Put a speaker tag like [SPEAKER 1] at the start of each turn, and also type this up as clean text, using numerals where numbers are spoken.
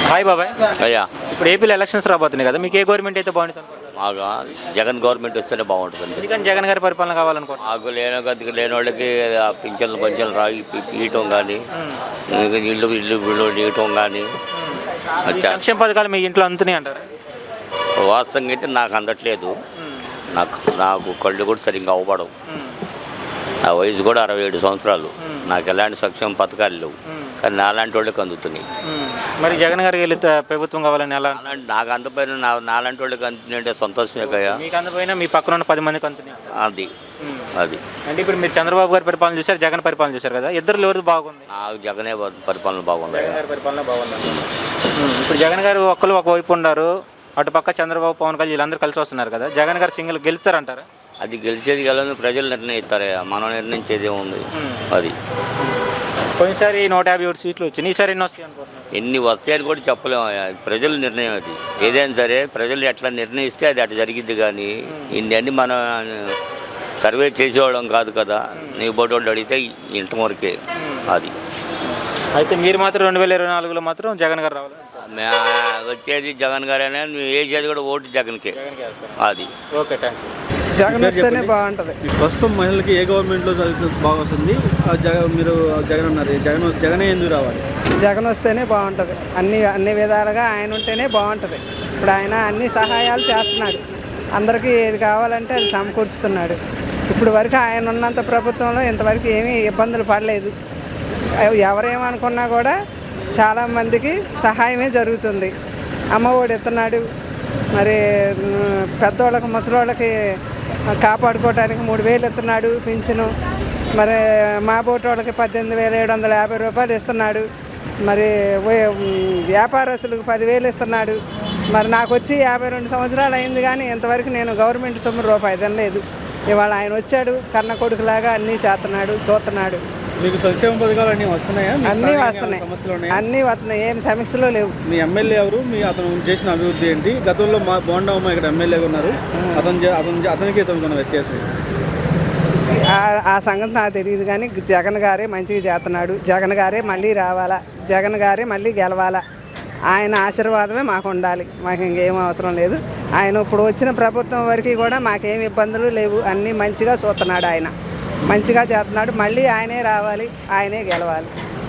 [SPEAKER 1] Hi బాబాయ్.
[SPEAKER 2] అయ్యా
[SPEAKER 1] ఇప్పుడు ఏపీలో ఎలక్షన్స్ రాబోతున్నాయి కదా, మీకు ఏ గవర్నమెంట్ అయితే బాగుంటుంది అనుకుంటున్నారు?
[SPEAKER 2] మాకు జగన్ గవర్నమెంట్ వస్తేనే బాగుంటుంది.
[SPEAKER 1] ఎందుకని జగన్ గారి పరిపాలన కావాలనుకుంటున్నారు?
[SPEAKER 2] మాకు గతికి లేని వాళ్ళకి ఆ పింఛన్లు రాగి ఇయటం కానీ ఇల్లు ఇయటం కానీ
[SPEAKER 1] ఈ సంక్షేమ పథకాలు మీ ఇంట్లో అందుతున్నాయి అంటారు?
[SPEAKER 2] వాస్తవంగా అయితే నాకు అందట్లేదు. నాకు కళ్ళు కూడా సరిగ్గా అవ్వబడవు. నా వయసు కూడా 67 సంవత్సరాలు. నాకు ఎలాంటి సంక్షేమ పథకాలు లేవు, కానీ నాలాంటి వాళ్ళకి అందుతున్నాయి.
[SPEAKER 1] మరి జగన్ గారికి వెళ్ళి ప్రభుత్వం కావాలని ఎలా?
[SPEAKER 2] నాకు అందపోయిన నాలాంటి వాళ్ళకి అందుతున్నాయంటే సంతోషమే కదా.
[SPEAKER 1] మీకు అందపోయినా మీ పక్కన ఉన్న 10 మందికి అందుతున్నాయి.
[SPEAKER 2] అది
[SPEAKER 1] అంటే ఇప్పుడు మీరు చంద్రబాబు గారి పరిపాలన చూసారు, జగన్ పరిపాలన చూసారు కదా, ఇద్దరు ఎవరిది బాగుంది?
[SPEAKER 2] నాకు జగనే పరిపాలన బాగుంది.
[SPEAKER 1] జగన్ గారి పరిపాలన బాగుంది. ఇప్పుడు జగన్ గారు ఒక్కరు ఒకవైపు ఉన్నారు, అటుపక్క చంద్రబాబు పవన్ కళ్యాణ్ వీళ్ళందరూ కలిసి వస్తున్నారు కదా, జగన్ గారు సింగిల్ గెలుస్తారంటారా?
[SPEAKER 2] అది గెలిచేది గెలని ప్రజలు నిర్ణయిస్తారే, మనం నిర్ణయించేది ఏముంది. అది
[SPEAKER 1] పోయినసారి 157 సీట్లు వచ్చినాయి, ఈసారి ఎన్ని వస్తాయి అనుకుంటున్నారు?
[SPEAKER 2] ఎన్ని వస్తాయని కూడా చెప్పలేము. ప్రజల నిర్ణయం అది. ఏదైనా సరే ప్రజలు ఎట్లా నిర్ణయిస్తే అది అటు జరిగిద్ది. కానీ ఇన్ని మనం సర్వే చేసేవాళ్ళం కాదు కదా. నీ బోటి వాళ్ళు అడిగితే ఇంటి వరకే. అది
[SPEAKER 1] అయితే మీరు మాత్రం 2024లో మాత్రం జగన్ గారు రావాలి?
[SPEAKER 2] వచ్చేది జగన్ గారైనా నువ్వు వేసేది కూడా ఓటు జగన్కే. అది
[SPEAKER 1] ఓకే, థ్యాంక్ యూ.
[SPEAKER 3] జగన్ వస్తేనే బాగుంటుంది.
[SPEAKER 4] ప్రస్తుతం మహిళలకి ఏ గవర్నమెంట్లో బాగా వస్తుంది? మీరు జగన్ అన్నారు, జగనే ఎందుకు రావాలి?
[SPEAKER 3] జగన్ వస్తేనే బాగుంటుంది. అన్ని విధాలుగా ఆయన ఉంటేనే బాగుంటుంది. ఇప్పుడు ఆయన అన్ని సహాయాలు చేస్తున్నాడు, అందరికీ ఏది కావాలంటే అది సమకూర్చుతున్నాడు. ఇప్పుడు వరకు ఆయన ఉన్నంత ప్రభుత్వంలో ఇంతవరకు ఏమీ ఇబ్బందులు పడలేదు. ఎవరేమనుకున్నా కూడా చాలామందికి సహాయమే జరుగుతుంది. అమ్మఒడి ఇస్తున్నాడు, మరి పెద్దవాళ్ళకి ముసలోళ్ళకి కాపాడుకోవడానికి 3,000 ఇస్తున్నాడు పింఛను. మరి మా బోటి వాళ్ళకి 18,750 రూపాయలు ఇస్తున్నాడు. మరి వ్యాపారస్తులకు 10,000 ఇస్తున్నాడు. మరి నాకు వచ్చి 52 సంవత్సరాలు అయింది, కానీ ఇంతవరకు నేను గవర్నమెంట్ సొమ్ము రూపాయి తినలేదు. ఇవాళ ఆయన వచ్చాడు, కన్న కొడుకులాగా అన్నీ చేస్తున్నాడు, చూస్తున్నాడు.
[SPEAKER 4] మీకు సంక్షేమ పథకాలు అన్నీ వస్తున్నాయా?
[SPEAKER 3] అన్నీ వస్తున్నాయి, అన్నీ వస్తున్నాయి, ఏమి సమస్యలు లేవు.
[SPEAKER 4] మీ ఎమ్మెల్యే ఎవరు? అతను చేసిన అభివృద్ధి ఏంటి? గతంలో మా బోండమ్మ ఇక్కడ ఎమ్మెల్యేగా ఉన్నారు, అతనికి ఇతనికి వ్యత్యాసం?
[SPEAKER 3] ఆ సంగతి నాకు తెలియదు, కానీ జగన్ గారే మంచిగా చేస్తున్నాడు. జగన్ గారే మళ్ళీ రావాలా, జగన్ గారే మళ్ళీ గెలవాలా. ఆయన ఆశీర్వాదమే మాకు ఉండాలి, మాకు ఇంకేం అవసరం లేదు. ఆయన ఇప్పుడు వచ్చిన ప్రభుత్వం వరకు కూడా మాకేం ఇబ్బందులు లేవు, అన్నీ మంచిగా చూస్తున్నాడు. ఆయన మంచిగా చేస్తున్నాడు, మళ్ళీ ఆయనే రావాలి, ఆయనే గెలవాలి.